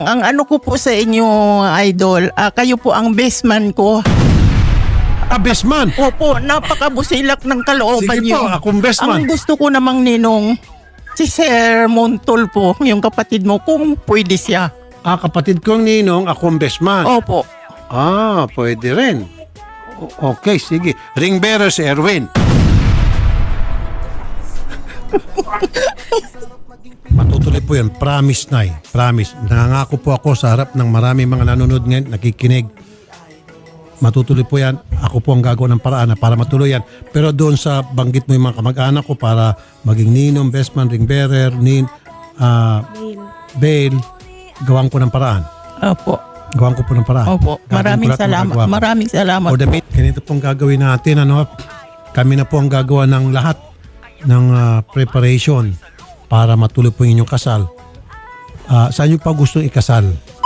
Ang ano ko po sa inyo, idol, kayo po ang best man ko. Best man. Opo, napakabusilak ng kalooban Sige niyo. po, akong best man. Ang gusto ko namang ninong, si Sir Montol po, yung kapatid mo, kung pwede siya. Kapatid kong ninong, akong best man. Opo. Pwede rin. Okay, sige. Ring bearer si Erwin. Matutuloy po yan. Promise, Nay. Promise. Nangangako po ako sa harap ng marami mga nanonood ngayon, nakikinig. Matutuloy po yan. Ako po ang gagawa ng paraan para matuloy yan. Pero doon sa banggit mo yung mga kamag-anak ko para maging ninong, best man, ring bearer, bail, gawan ko ng paraan. Opo. Gawan ko po ng paraan. Opo. Maraming salamat. Maraming salamat. For the meet, ganito pong gagawin natin. Kami na po ang gagawa ng lahat ng preparation para matuloy po yung inyong kasal. Saan nyo pa gustong ikasal?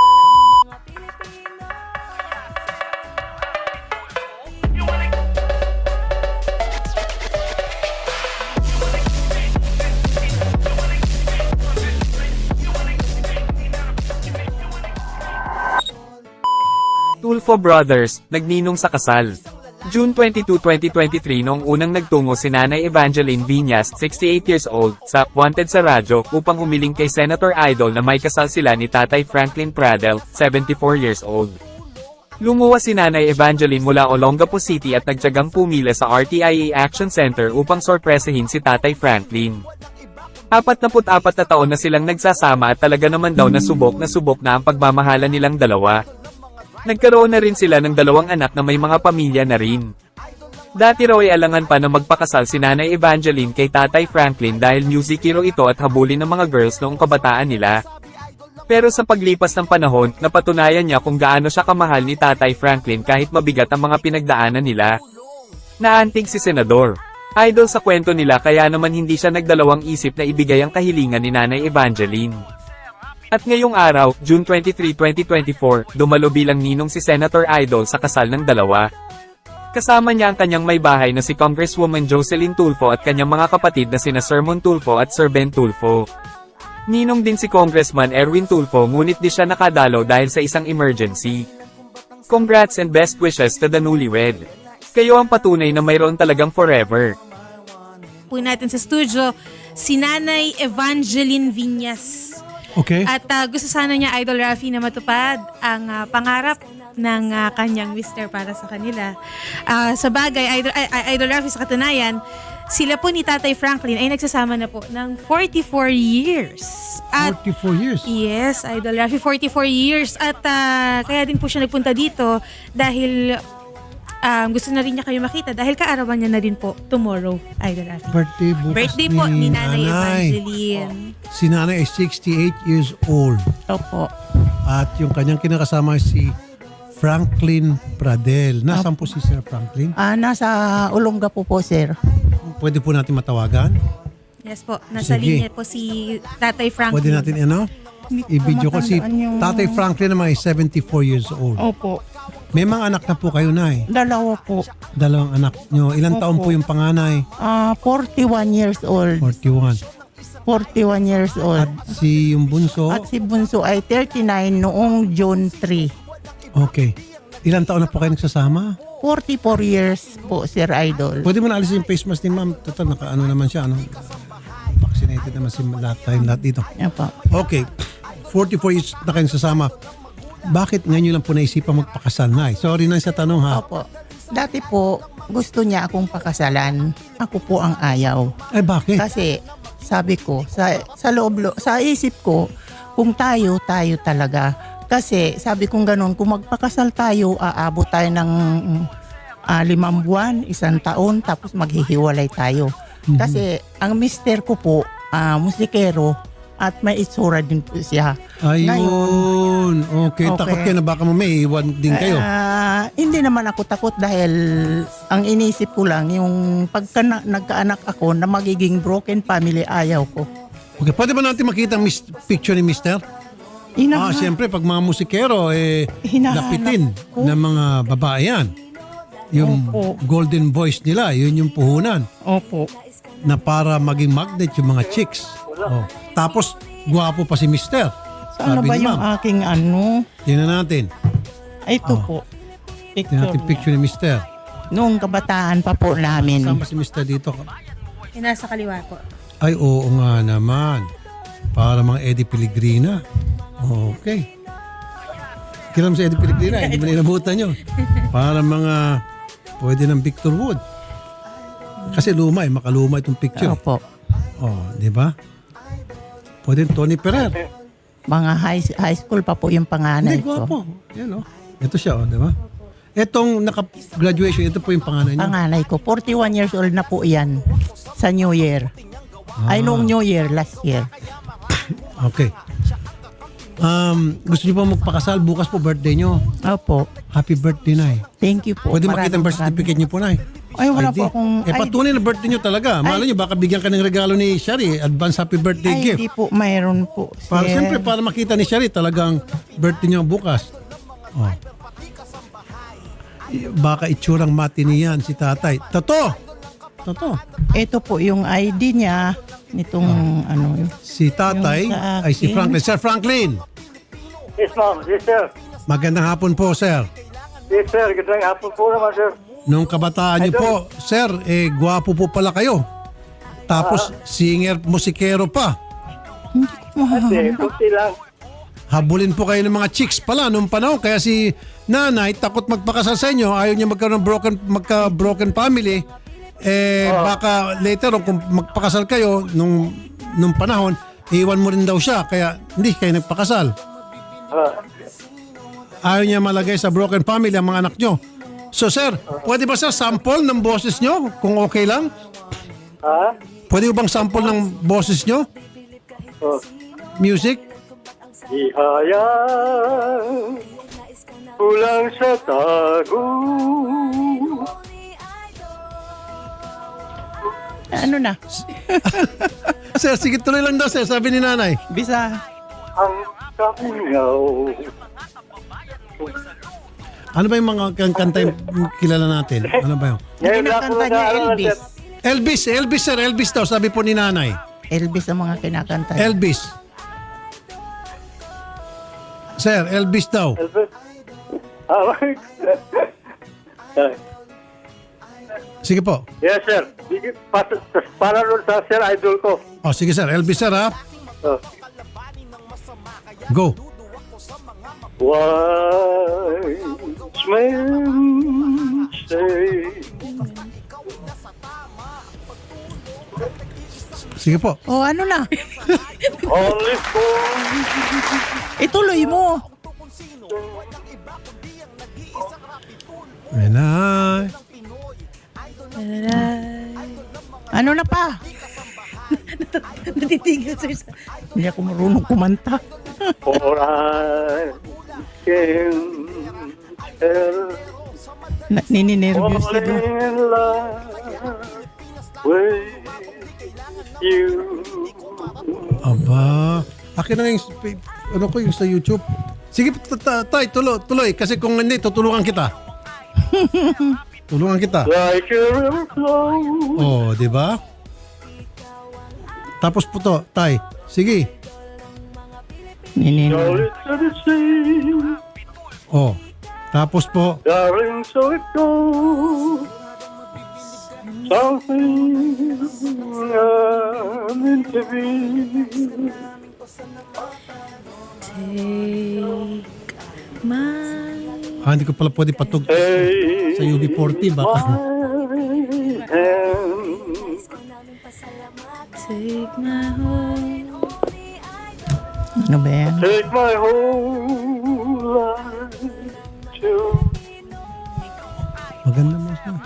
Tulfo Brothers, nagninong sa kasal. June 22, 2023 noong unang nagtungo si Nanay Evangeline Viñas, 68 years old, sa Wanted sa radyo upang humiling kay Senator Idol na may kasal sila ni Tatay Franklin Pradel, 74 years old. Lumuwas si Nanay Evangeline mula Olongapo City at nagtiyagang pumila sa RTIA Action Center upang sorpresahin si Tatay Franklin. 44 na taon na silang nagsasama at talaga naman daw na subok na ang pagmamahala nilang dalawa. Nagkaroon na rin sila ng 2 anak na may mga pamilya na rin. Dati raw ay alangan pa na magpakasal si Nanay Evangeline kay Tatay Franklin dahil music hero ito at habulin ng mga girls noong kabataan nila. Pero sa paglipas ng panahon, napatunayan niya kung gaano siya kamahal ni Tatay Franklin kahit mabigat ang mga pinagdaanan nila. Naantig si Senador Idol sa kwento nila kaya naman hindi siya nagdalawang isip na ibigay ang kahilingan ni Nanay Evangeline. At ngayong araw, June 23, 2024, dumalo bilang ninong si Senator Idol sa kasal ng dalawa. Kasama niya ang kanyang may bahay na si Congresswoman Jocelyn Tulfo at kanyang mga kapatid na sina Sir Mon Tulfo at Sir Ben Tulfo. Ninong din si Congressman Erwin Tulfo ngunit di siya nakadalo dahil sa isang emergency. Congrats and best wishes to the newlywed. Kayo ang patunay na mayroon talagang forever. Po natin sa studio, si Nanay Evangeline Viñas. Okay. At gusto sana niya, Idol Rafi, na matupad ang pangarap ng kanyang mister para sa kanila. Sa bagay, Idol Rafi, sa katunayan, sila po ni Tatay Franklin ay nagsasama na po ng 44 years. At 44 years? yes, Idol Rafi, 44 years. At kaya din po siya nagpunta dito dahil gusto na rin niya kayo makita dahil kaarawan niya na rin po tomorrow, Idol Rafi. Birthday bukas Birthday po ni Nanay Evangeline. Si Nanay ay 68 years old. Opo. At yung kanyang kinakasama si Franklin Pradel. Nasaan po si Sir Franklin? Nasa Olongapo po, sir. Pwede po natin matawagan? Yes po, nasa Sige. linya po si Tatay Franklin. Pwede natin i-video ko si matandaan yung- Tatay Franklin naman ay 74 years old. Opo. May mga anak na po kayo, Nay. 2 po. 2 anak nyo. Ilang Opo. taon po yung panganay? 41 years old. 41. 41 years old. Si yung bunso? At si Bunso ay 39 noong June 3. Okay. Ilang taon na po kayo nagsasama? 44 years po, Sir Idol. Pwede mo na alisin yung face mask ni ma'am. Total, nakaano naman siya. Vaccinated naman si lahat dito. Opo. Okay. 44 years na kayo nagsasama. Bakit ngayon lang po naisipan magpakasal, Nay? Sorry na sa tanong, ha? Opo. Dati po, gusto niya akong pakasalan. Ako po ang ayaw. Eh, bakit? Kasi sabi ko, sa isip ko, kung tayo talaga. Kasi sabi kong ganun, kung magpakasal tayo, aabot tayo ng 5 buwan, 1 taon, tapos maghihiwalay tayo. Kasi ang mister ko po, musikero, at may itsura din po siya. Ayun. Okay. Takot kayo na baka may iwan din kayo. Hindi naman ako takot dahil ang inisip ko lang yung pagka nagkaanak ako na magiging broken family, ayaw ko. Okay. Pwede ba natin makita ang picture ni Mister? Siyempre, pag mga musikero, Hinahanap lapitin ko. ng mga babae yan. Yung Opo. golden voice nila, yun yung puhunan. Opo. Na para maging magnet yung mga chicks. Oh. Tapos, guwapo pa si Mister. Saan Sabi ba ni yung ma'am. aking ano? Tingnan natin. Ito Oh. po. Tingnan natin picture ni Mister. Noong kabataan pa po namin. Sama si Mister dito. Yung nasa kaliwa po. Ay, oo nga naman. Para mga Eddie Pellegrina. Okay. Kilam si Eddie Pellegrina, hindi mo ninabutan yun. Para mga, pwede ng Victor Wood. Kasi luma makaluma itong picture. Opo. Oh, di ba? Pwede Tony Ferrer. Mga high school pa po yung panganay Hindi, ko. gwapo. Yan, oh. Ito siya, oh, di ba? Itong naka-graduation, ito po yung panganay niya. Panganay ko. 41 years old na po yan. Sa New Year. Ay, noong New Year, last year. Okay. Gusto niyo po magpakasal? Bukas po birthday niyo. Opo. Happy birthday, Nay. Thank you po. Pwede makita ang birth Maraming certificate niyo po, Nay. Ay, wala ID. po akong patunay na birthday niyo talaga. Malay niyo, baka bigyan ka ng regalo ni Shari. Advance happy birthday Ay, gift. hindi po. Mayroon po. Para sir. siyempre, para makita ni Shari talagang birthday niyo bukas. Oh. Baka itsurang matini yan si tatay. Totoo! Ito po yung ID niya. Nitong ano. Si tatay Yung sa ay si akin. Franklin. Sir Franklin! Yes, ma'am. Yes, sir. Magandang hapon po, sir. Yes, sir. Gandang hapon po naman, sir. Nung kabataan niyo po, sir, gwapo po pala kayo. Tapos, singer, musikero pa. Hindi ko Kasi, mahanap. kunti lang. Habulin po kayo ng mga chicks pala nung panahon. Kaya si nanay, takot magpakasal sa inyo. Ayaw niya magkaroon ng broken family. Baka later on, kung magpakasal kayo nung panahon, iwan mo rin daw siya. Kaya hindi kayo nagpakasal. Ayaw niya malagay sa broken family ang mga anak nyo. So sir, pwede ba sir sample ng boses nyo? Kung okay lang? Ha? Pwede ba bang sample ng boses nyo? Oh. Music? Ihayang kulang sa tago. Ano na? Sir, sige tuloy lang daw sir, sabi ni nanay. Bisa. Ang kamingaw. Ano ba yung mga kanta yung kilala natin? Ano ba yun? Ngayon lang po Kinakanta niya nag-aaral, Elvis. sir. Elvis sir, Elvis daw, sabi po ni nanay. Elvis ang mga kinakanta. niya. Elvis. Sir, Elvis daw. Elvis. Ah, Sige po. yes, sir. Para nun sa sir, idol ko. O sige sir, Elvis sir ha. Oh. Go. Wise men say Sige po. Oh, ano na? only for Ituloy mo. Ayan na. Ano na pa? Natitigil, sir. Hindi ako marunong kumanta. for I can tell Nininervyos falling ito. in love with you. Aba. Akin na yung, ano ko yung sa YouTube. Sige, tay, tuloy. Kasi kung hindi, tutulungan kita. Tulungan kita. Like a river flow. Oh, di ba? Tapos po to, tay. Sige. Nininervyos. Solid to the sea. Oh. Tapos po, Darling, so it goes. Something I'm meant to be. Take my hindi ko pala pwede patug Hey, sa UB40. Baka. my hand. take my home. Ano ba yan? Take my whole life to Maganda mo siya.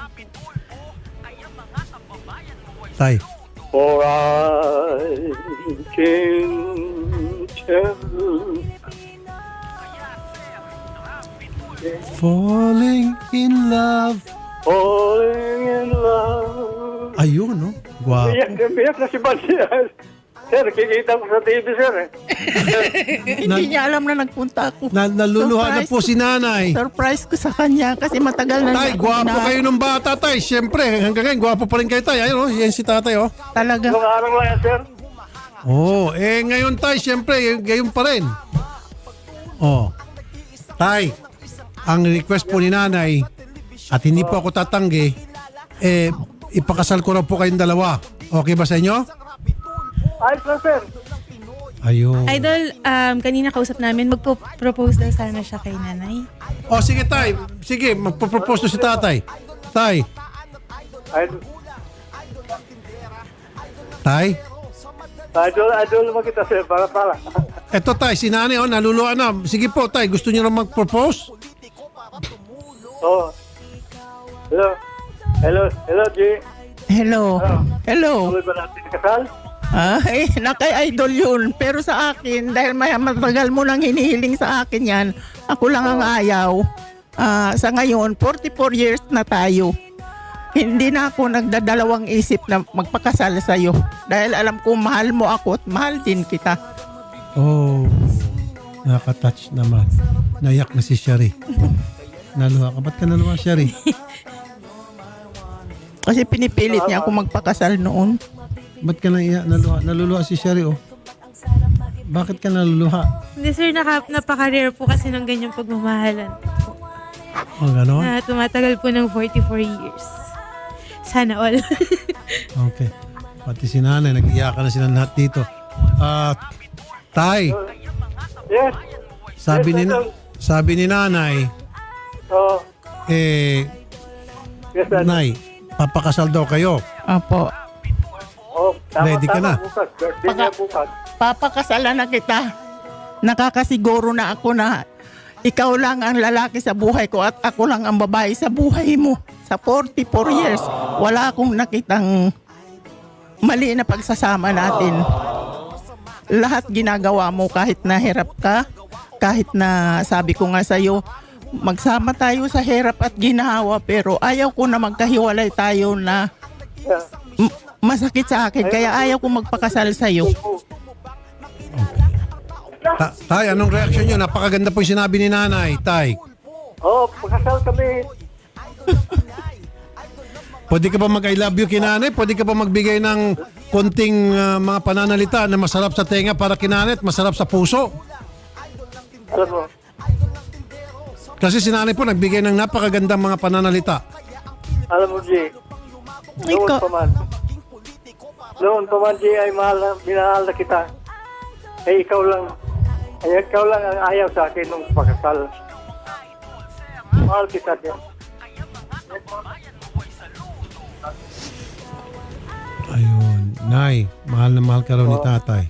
Tay. for I can tell. Falling in love. Falling in love. Ayun, no? Guwapo. Biyak na si Bansi. Sir, kikita ko sa TV, sir. Hindi niya alam na nagpunta ako. Naluluha na Surprise. po si nanay. Surprise ko sa kanya kasi matagal na Tay, niya ako gwapo na- kayo nung bata, tay. Siyempre, hanggang ngayon, gwapo pa rin kayo, tay. Ayun, oh, yan si tatay, oh. Talaga. Nung araw lang yan, sir. Oh, ngayon, tay, siyempre, gayon pa rin. Oh. Tay, ang request po ni nanay at hindi po ako tatanggi, ipakasal ko na po kayong dalawa. Okay ba sa inyo? Ayos lang, sir. Ayun. Idol, kanina kausap namin, magpo-propose daw sana siya kay nanay. Oh, sige tay. Sige, magpo-propose na si tatay. Tay. Idol, Tay. idol naman kita, sir. Para. Eto tay, si nanay naluluwa na. Sige po tay, gusto niyo na mag-propose? Oh. Hello, G. Hello. Hello. Tuloy ba natin kasal? Ay, nakay-idol yun. Pero sa akin, dahil matagal mo nang hinihiling sa akin yan, ako lang ang ayaw. Sa ngayon, 44 years na tayo. Hindi na ako nagdadalawang isip na magpakasal sa'yo. Dahil alam ko, mahal mo ako at mahal din kita. Oh, nakaka-touch naman. Nayak na si Sherry. Naluha ka. Ba't ka naluha, Sherry? Kasi pinipilit niya ako magpakasal noon. Ba't ka naluha? Naluluha si Sherry, oh. Bakit ka naluluha? Hindi sir, napaka-rare po kasi ng ganyang pagmamahalan. Oh, gano'n? Na tumatagal po ng 44 years. Sana all. Okay. Pati si nanay, nag-iyakan na sila lahat dito. Tay, Yes. sabi ni nanay, Oh. Yes, sir. Nay, papakasal daw kayo. Apo. Oh, Ready ka na? Bukas. Birthday niya bukas. Papakasalan na kita. Nakakasiguro na ako na ikaw lang ang lalaki sa buhay ko at ako lang ang babae sa buhay mo. Sa 44 years, wala akong nakitang mali na pagsasama natin. Lahat ginagawa mo kahit nahirap ka, kahit na sabi ko nga sa'yo, magsama tayo sa hirap at ginawa pero ayaw ko na magkahiwalay tayo na Yeah. masakit sa akin kaya ayaw ko magpakasal sa'yo. Tay, anong reaction nyo? Napakaganda po yung sinabi ni nanay, Tay. Oh, pagkasal kami. Pwede ka ba mag-I love you kay nanay? Pwede ka ba magbigay ng konting mga pananalita na masarap sa tenga para kay nanay at masarap sa puso? Alam mo. Kasi si nanay po nagbigay ng napakagandang mga pananalita. Alam mo, G. Noon Ikaw- pa man. Noon pa man, G, ay minahal na kita. Eh, ikaw lang ang ayaw sa akin nung pagkasal. Mahal kita din. Ayun. Nay, mahal na mahal ka raw ni tatay.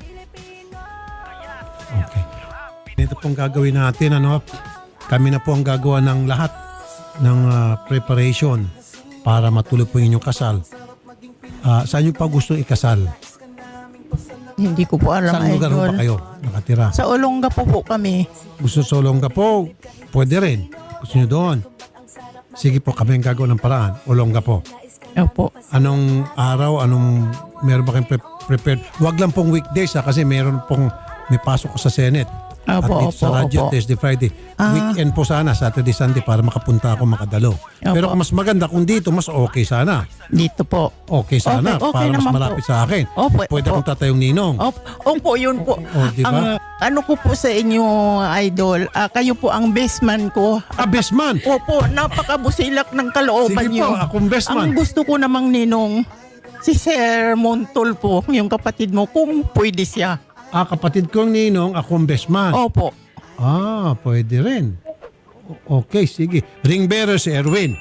Okay. Ito pong gagawin natin. Kami na po ang gagawa ng lahat ng preparation para matuloy po yung inyong kasal. Saan nyo pa gusto ikasal? Hindi ko po alam, Saan lugar idol. ba kayo nakatira? Sa Olonga po kami. Gusto sa Olongapo? Pwede rin. Gusto nyo doon? Sige po, kami ang gagawa ng paraan. Olongapo. Opo. Anong araw? Meron ba kayong prepared? Huwag lang pong weekdays kasi meron pong may pasok ko sa Senate. At Opo, dito sa radyo, opo. Thursday, Friday. Weekend po sana, Saturday, Sunday para makapunta ako, makadalo. Pero mas maganda kung dito, mas okay sana. Dito po. Okay sana, Okay para mas naman malapit po. sa akin. Opo, Pwede opo. akong tatayong ninong. Opo, yun po. di ba? Ang ano ko po sa inyo, idol, kayo po ang best man ko. Best man! Opo, napakabusilak ng kalooban Sige niyo. po, akong best man. Ang gusto ko namang ninong, si Sir Montol po, yung kapatid mo, kung pwede siya. Kapatid kong ninong, akong best man. Opo. Pwede rin. Okay, sige. Ring bearer si Erwin.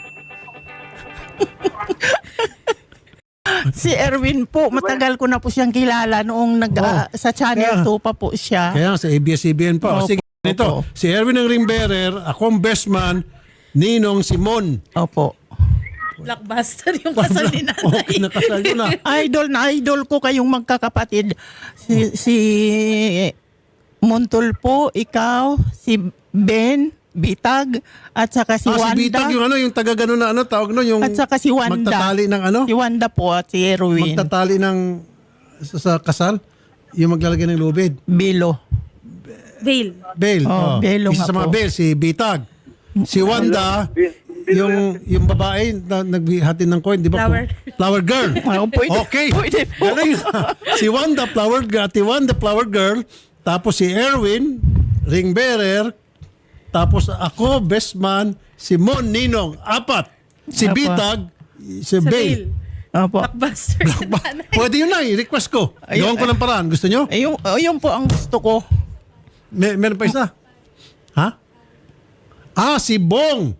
Si Erwin po, matagal ko na po siyang kilala noong sa Channel 2 pa po siya. Kaya sa ABS-CBN pa. Opo, Sige, ito. opo. Si Erwin ang ring bearer, akong best man, ninong Simon. Opo. Blockbuster yung kasal ni nanay. Okay, nakasal ko na. Idol ko kayong magkakapatid. Si Montol po, ikaw, si Ben, Bitag, at saka si Si Wanda. Bitag, yung taga gano'n na tawag no, yung At saka si Wanda. magtatali ng Si Wanda po at si Erwin. magtatali ng sa kasal, yung maglalagay ng lubid. Bilo. Bail. Bail. Belo Isa nga sa mga po. bail, si Bitag. Si Wanda, yung babae na nagbihatin ng coin, di ba? Flower. Flower girl. Pwede, Okay. pwede po. Galing. Si Wanda, flower girl. Si Wanda, flower girl. Tapos si Erwin, ring bearer, tapos ako, best man, si Mon Ninong, 4. Si Apa. Bitag, si Sa Bail. bail. Opo. Blockbuster. Pwede yun na, request ko. Ayun, Gawin ko ng paraan. Gusto nyo? Yung po ang gusto ko. Meron pa isa? Ha? Si Bong.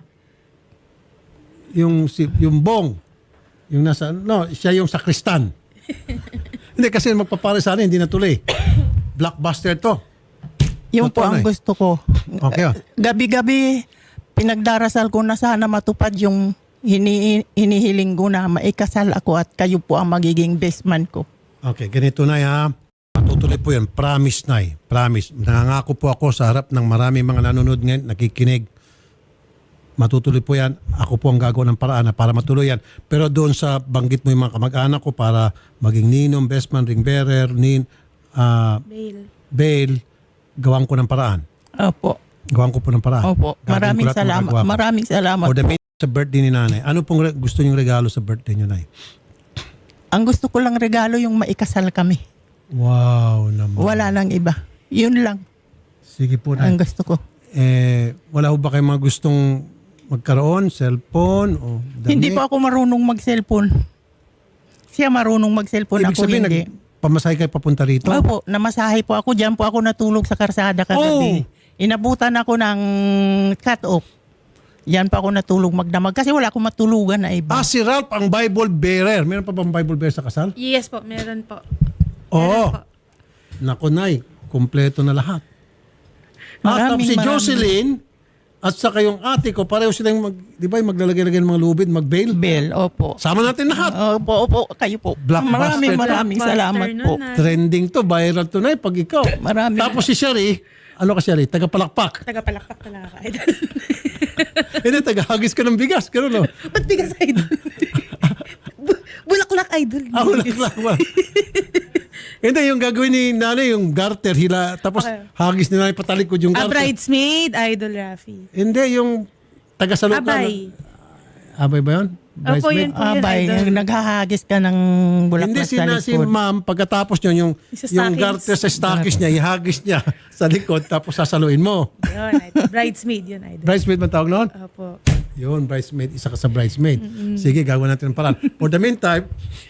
Yung Bong. Yung nasa, no, siya yung sakristan. Hindi, kasi magpapare sana, hindi natuloy. Blockbuster to. Yung po Totoo na ang eh. gusto ko. Okay, oh. Gabi-gabi, pinagdarasal ko na sana matupad yung hinihiling ko na maikasal ako at kayo po ang magiging best man ko. Okay, ganito na ha. Matutuloy po yan. Promise na Promise. Nangangako po ako sa harap ng marami mga nanonood ngayon, nakikinig. Matutuloy po yan. Ako po ang gagawa ng paraan para matuloy yan. Pero doon sa banggit mo yung mga kamag-anak ko para maging ninong, best man, ring bearer, Bail. bail, gawan ko ng paraan. Opo. Gawan ko po ng paraan. Opo. Gagawin ko Maraming lahat ng salamat. magagawa ko. Maraming salamat For the po. main sa birthday ni nanay, ano pong gusto niyong regalo sa birthday niyo, nay? Ang gusto ko lang regalo yung maikasal kami. Wow naman. Wala nang iba. Yun lang Sige po, ang nay. gusto ko. Wala ho ba kayong mga gustong magkaroon? Cellphone o damit? Hindi po ako marunong mag-cellphone. Siya marunong mag-cellphone, Ibig ako sabihin, hindi. pamasahe kayo papunta rito? Opo, namasahe po ako. Diyan po ako natulog sa karsada kagabi. Inabutan ako ng cut-off. Yan pa ako natulog magdamag kasi wala akong matulugan na iba. Si Ralph ang Bible bearer. Meron pa bang Bible bearer sa kasal? Yes po, meron po. Oo. po. Naku, nay, kompleto na lahat. Tapos si Jocelyn at saka yung ate ko, pareho silang di ba, yung maglalagay-lagay ng mga lubid, mag-bail. Bell, opo. Sama natin lahat. Opo, kayo po. Blockbuster. Maraming salamat Blockbuster po. nun, Trending to, viral to na pag ikaw. Maraming. Tapos si Sherry, ano ka Sherry? Tagapalakpak. Tagapalakpak talaga ka, idol. Hindi, tagahagis ka ng bigas. Ganun, no? Ba't bigas, idol? Bulaklak, idol. Wala. Hindi, yung gagawin ni nanay, yung garter, hila, tapos hagis ni nanay patalikod yung garter. Bridesmaid, idol Rafi. Hindi, yung taga-salot Abay. Abay ba yun? Opo, yun po yun, Abay, idol. naghahagis ka ng Hindi, bulaklak sa si likod. ma'am, pagkatapos nyo, yung Sa yung stockings. garter sa stockings niya, ihagis niya sa likod, tapos sasaluin mo. Yun, idol. Bridesmaid yun, idol. Bridesmaid man tawag noon? Opo. Yun, bridesmaid, isa ka sa bridesmaid. Sige, gawin natin ang paraan. For the meantime,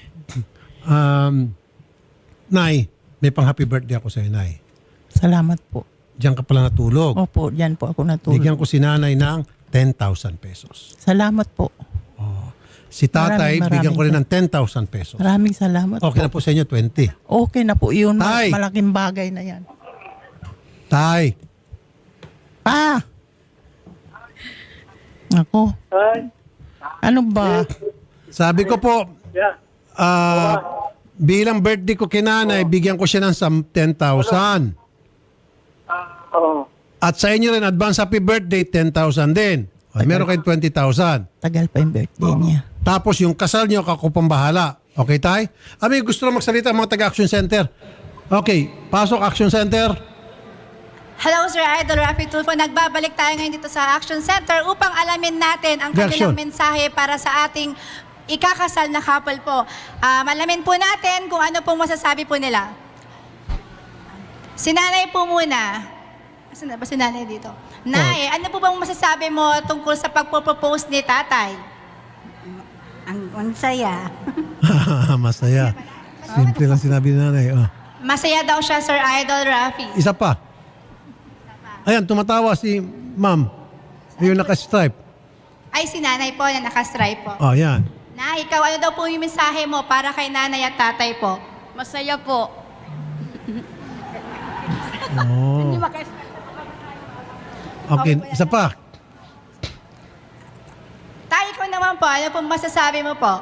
Nay, may pang happy birthday ako sa iyo, Nay. Salamat po. Diyan ka pala natulog. Opo, diyan po ako natulog. Bigyan ko si nanay ng 10,000 pesos. Salamat po. Si tatay, Maraming bigyan ko rin ng 10,000 pesos. Maraming salamat Okay po. na po sa inyo, 20. Okay na po yun. Tay. Malaking bagay na yan. Tay, Ako. Ay, Ano ba? sabi ko po, yeah. bilang birthday ko kay nanay, bigyan ko siya ng 10,000. Oo. At sa inyo rin, advance happy birthday, 10,000 din. O, meron kayong 20,000. Tagal pa yung birthday niya. Tapos yung kasal nyo, ako pang bahala. Okay, tay? Ami, gusto na magsalita ang mga taga-Action Center. Okay, pasok Action Center. Hello Sir Idol Rafi Tulfo. Nagbabalik tayo ngayon dito sa Action Center upang alamin natin ang Reaction. kanilang mensahe para sa ating ikakasal na couple po. Malamin po natin kung ano pong masasabi po nila. Si nanay po muna. Asan na ba si nanay dito? Nay, ano po bang masasabi mo tungkol sa pagpo-propose ni tatay? Ang saya. Masaya. Simple lang sinabi ni nanay. Oh. Masaya daw siya, Sir Idol Rafi. Isa pa. Ayan, tumatawa si ma'am. Yung naka-stripe. Ay, si nanay po na nakastripe po. Oh, yan. Nay, ikaw ano daw po yung mensahe mo para kay nanay at tatay po? Masaya po. Oh. Okay, isa pa. Tay, ikaw naman po, ano pong masasabi mo po?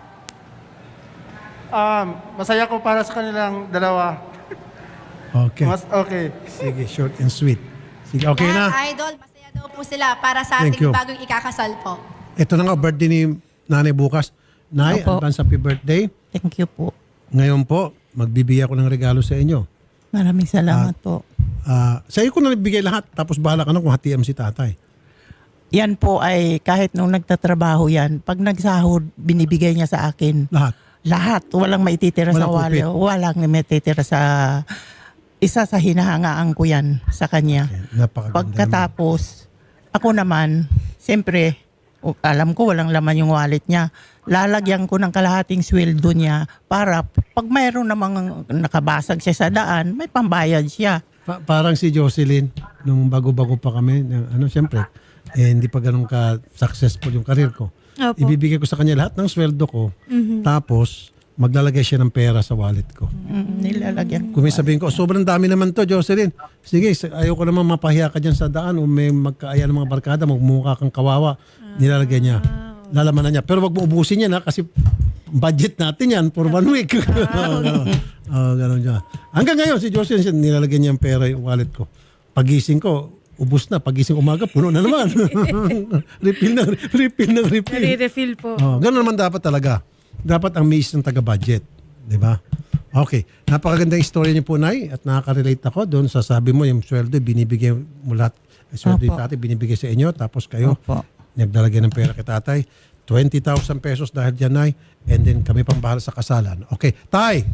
Masaya ko para sa kanilang dalawa. Okay. Okay. Sige, short and sweet. Sige, okay na. Idol, masaya daw po sila para sa Thank ating you. bagong ikakasal po. Ito na nga, birthday ni nanay bukas. Nay, Opo. advance happy birthday. Thank you po. Ngayon po, magbibigay ako ng regalo sa inyo. Maraming salamat po. Sa iyo ko na bigay lahat, tapos bahala ka na kung hatiam si tatay. Yan po ay kahit nung nagtatrabaho yan, pag nagsahod, binibigay niya sa akin. Lahat. Lahat. Walang maititira sa Walang kupit. walo. Walang maititira sa isa sa hinahangaan ko yan sa kanya. Napakaganda. Pagkatapos, ako naman, siyempre, alam ko walang laman yung wallet niya. Lalagyan ko ng kalahating sweldo niya para pag mayroon namang nakabasag siya sa daan, may pambayad siya. Parang si Jocelyn, nung bago-bago pa kami, siyempre, hindi pa ganun ka-successful yung karir ko. Opo. Ibibigay ko sa kanya lahat ng sweldo ko, tapos maglalagay siya ng pera sa wallet ko. Nilalagyan ko. Kung may sabihin ko, sobrang dami naman to, Jocelyn. Sige, ayaw ko naman mapahiya ka dyan sa daan o may magkaaya ng mga barkada, magmukha kang kawawa. Nilalagay niya. Lalaman na niya. Pero wag mo ubusin yan ha, kasi budget natin yan for 1 week. Ganun siya. Hanggang ngayon, si Jocelyn, nilalagay niya ang pera yung wallet ko. Pagising ko, ubus na. Pagising umaga, puno na naman. refill. Nare-refill po. Ganun naman dapat talaga. Dapat ang miss ng taga-budget. Di ba? Okay. Napakagandang istorya niyo po, Nay. At nakaka-relate ako doon sa sabi mo, yung sweldo, binibigay mo lahat. Sweldo yung tatay, binibigay sa inyo. Tapos kayo, Opo. nagdalagyan ng pera kay tatay. 20,000 pesos dahil dyan, Nay. And then kami pang bahala sa kasalan. Okay. Tay!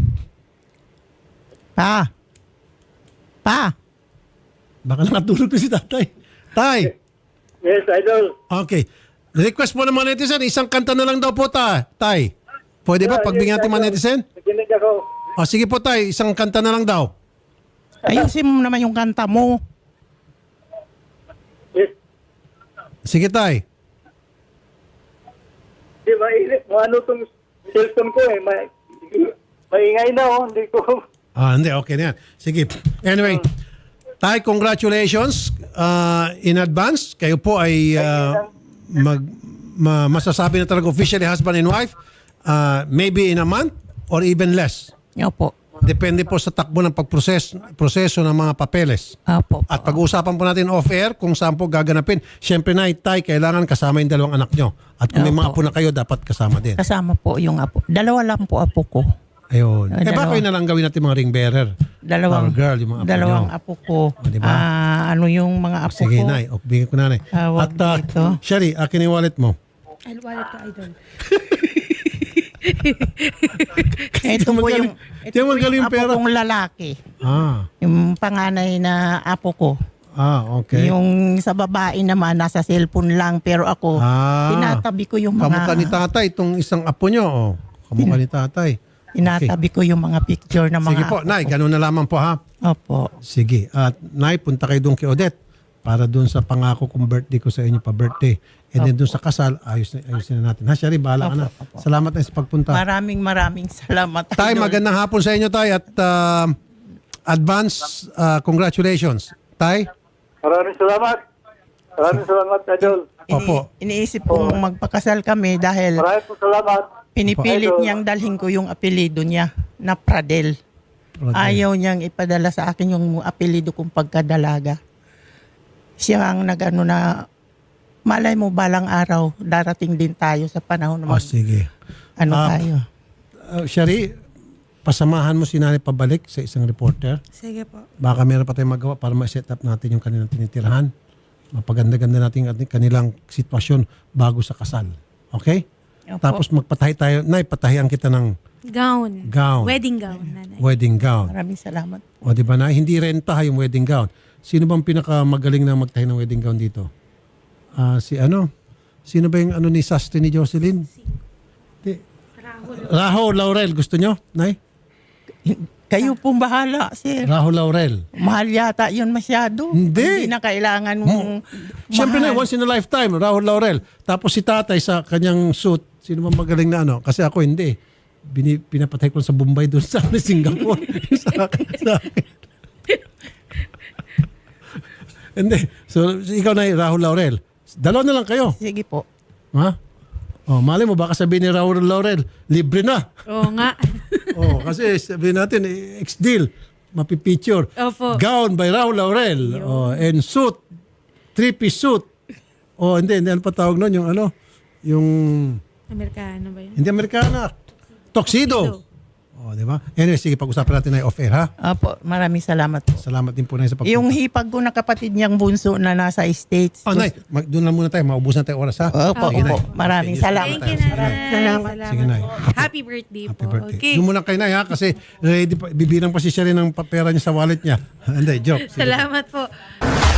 Pa! Baka nakatulog na si tatay. Tay! Yes, Idol. Okay. Request po ng mga netizen, isang kanta na lang daw po, Tay. Pwede ba? Pagbigyan natin mga netizen? Nakinig ako. O sige po, Tay. Isang kanta na lang daw. Ayusin mo naman yung kanta mo. Yes. Sige, Tay. Di mainit. Ano tong cellphone ko eh. Maingay na oh. Hindi ko. Hindi. Okay na yan. Sige. Anyway, Tay, congratulations in advance. Kayo po ay masasabi na talaga officially husband and wife. Maybe in a month or even less. Opo. Depende po sa takbo ng proseso ng mga papeles. Opo. At pag-uusapan po natin off-air kung saan po gaganapin. Siyempre na, Tay, kailangan kasama yung 2 anak nyo. At kung may mga apo na kayo, dapat kasama din. Kasama po yung apo. 2 lang po apo ko. Ayun. Dalawa. Baka yun na lang gawin natin mga ring bearer. Power girl, yung mga apo 2 nyo. apo ko. Diba? Ano yung mga apo Sige, ko? Nay. Bigyan ko na, Nay. Tawag At dito. Sherry, akin yung wallet mo. Ay, wallet ko, Idol. Ito po yung, Ito magaling apo pera. kong lalaki. Ah, Yung panganay na apo ko. okay. Yung sa babae naman, nasa cellphone lang. Pero ako, tinatabi ko yung Kamukha ni mga... tatay, itong isang apo nyo. Oh. Kamukha ni tatay. Tinatabi ko yung mga picture ng mga Sige po, apo Nay, ko. ganun na lamang po ha. Opo. Sige. At Nay, punta kayo doon kay Odette para doon sa pangako kong birthday ko sa inyo pa birthday. And then doon sa kasal, ayusin na natin. Ha, Sherry, bahala ka na. Opo. Salamat na sa pagpunta. Maraming salamat. Tay, Idol. magandang hapon sa inyo, Tay. At advance congratulations. Tay? Maraming salamat. Maraming salamat, Idol. Opo. Iniisip kong magpakasal kami dahil Maraming po salamat. pinipilit Idol. niyang dalhin ko yung apelido niya na Pradel. Ayaw niyang ipadala sa akin yung apelido kong pagkadalaga. Siya ang nagano na malay mo balang araw darating din tayo sa panahon na Sige. tayo. Sherry, pasamahan mo si Nanay pabalik sa isang reporter. Sige po. Baka meron pa tayong magawa para ma-set up natin yung kanilang tinitirahan. Mapaganda-ganda natin ang kanilang sitwasyon bago sa kasal. Okay? Opo. Tapos magpatahi tayo. Nay, patahian kita ng Gown. Gown. Wedding gown, nanay. wedding gown. Maraming salamat. O di ba na? Hindi renta ha, yung wedding gown. Sino bang pinakamagaling na magtahi ng wedding gown dito? Sino ba yung ni sastre ni Jocelyn? Rahul Laurel. Gusto nyo, Nay? Kayo pong bahala, sir. Rahul Laurel. Mahal yata yun masyado. Hindi. Hindi na kailangan mong Siyempre na, mahal. once in a lifetime, Rahul Laurel. Tapos si tatay sa kanyang suit, sino bang magaling na Kasi ako hindi. Pinapatay ko sa Bombay doon sa Singapore. sa akin. Hindi. So, ikaw na Rahul Laurel. 2 na lang kayo. Sige po. Ha? Mali mo, baka sabihin ni Rahul Laurel, libre na. Oo nga. Kasi sabihin natin, ex-deal, mapipicture. Opo. Gown by Rahul Laurel. And suit, 3-piece suit. Hindi, ano pa tawag nun? Yung Amerikano ba yun? hindi Amerikana. Tuxedo. O, di ba? Anyway, sige, pag-usapan natin na off-air, ha? Opo, maraming salamat. Salamat din po na sa pagpunta. Yung hipag ko na kapatid niyang bunso na nasa States. Oh, Nay, doon lang muna tayo. Maubusan tayo oras, ha? Opo, Sige, Nay. opo. Maraming Okay, salamat. Thank you, Sige, Nay. Nay. Salamat. Sige, Nay. Happy birthday Happy po. birthday. Okay. Doon muna kay Nay, ha? Kasi ready pa, bibirang pa si Sherry ng pera niya sa wallet niya. Hindi, joke. Sige. Salamat po.